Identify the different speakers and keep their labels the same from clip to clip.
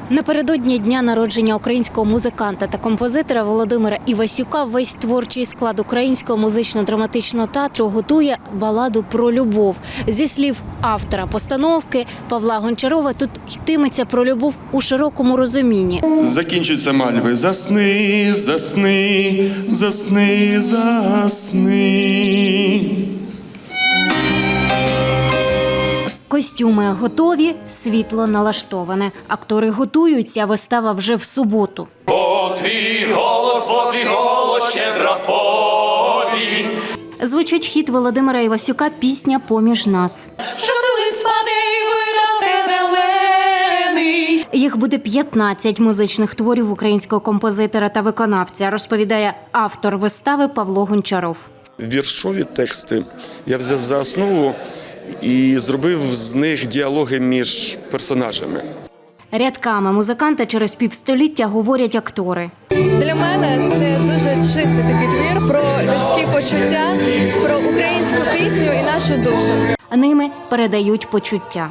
Speaker 1: Напередодні дня народження українського музиканта та композитора Володимира Івасюка весь творчий склад Українського музично-драматичного театру готує баладу про любов. Зі слів автора постановки Павла Гончарова, тут йтиметься про любов у широкому розумінні.
Speaker 2: Закінчуються мальви. Засни, засни, засни, засни.
Speaker 1: Костюми готові, світло налаштоване. Актори готуються, вистава вже в суботу.
Speaker 2: О, твій голос, щедра повінь.
Speaker 1: Звучить хіт Володимира Івасюка «Пісня поміж нас».
Speaker 3: Жовтий лист впаде і виросте зелений.
Speaker 1: Їх буде 15 музичних творів українського композитора та виконавця, розповідає автор вистави Павло Гончаров.
Speaker 2: Віршові тексти я взяв за основу і зробив з них діалоги між персонажами.
Speaker 1: Рядками музиканта через півстоліття говорять актори.
Speaker 4: Для мене це дуже чистий такий твір про людські почуття, про українську пісню і нашу душу.
Speaker 1: Ними передають почуття.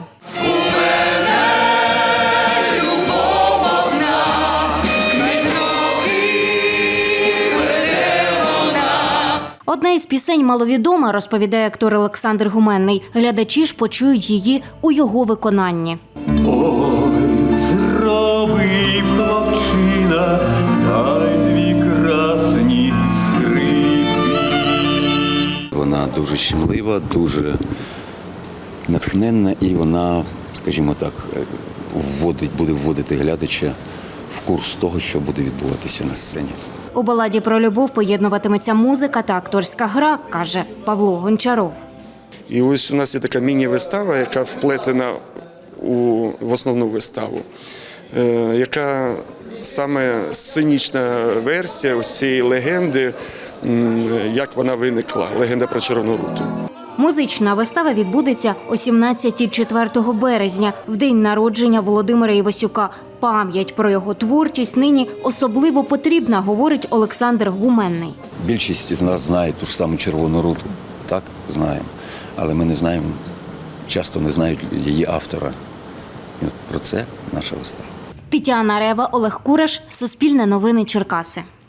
Speaker 1: Одна із пісень маловідома, розповідає актор Олександр Гуменний. Глядачі ж почують її у його виконанні.
Speaker 5: Ой, зроби, хлопчина, дай дві красні скрипки.
Speaker 6: Вона дуже щемлива, дуже натхненна і вона, скажімо так, буде вводити глядача в курс того, що буде відбуватися на сцені.
Speaker 1: У баладі про любов поєднуватиметься музика та акторська гра, каже Павло Гончаров.
Speaker 2: І ось у нас є така міні-вистава, яка вплетена в основну виставу, яка саме сценічна версія ось цієї легенди, як вона виникла, легенда про Червону руту.
Speaker 1: Музична вистава відбудеться о 17-й 4 березня, в день народження Володимира Івасюка. Пам'ять про його творчість нині особливо потрібна, говорить Олександр Гуменний.
Speaker 6: Більшість з нас знає ту ж саму Червону руту, так, знаємо, але ми не знаємо, часто не знають її автора. І от про це наша вистава.
Speaker 1: Тетяна Рева, Олег Кураш, Суспільне новини, Черкаси.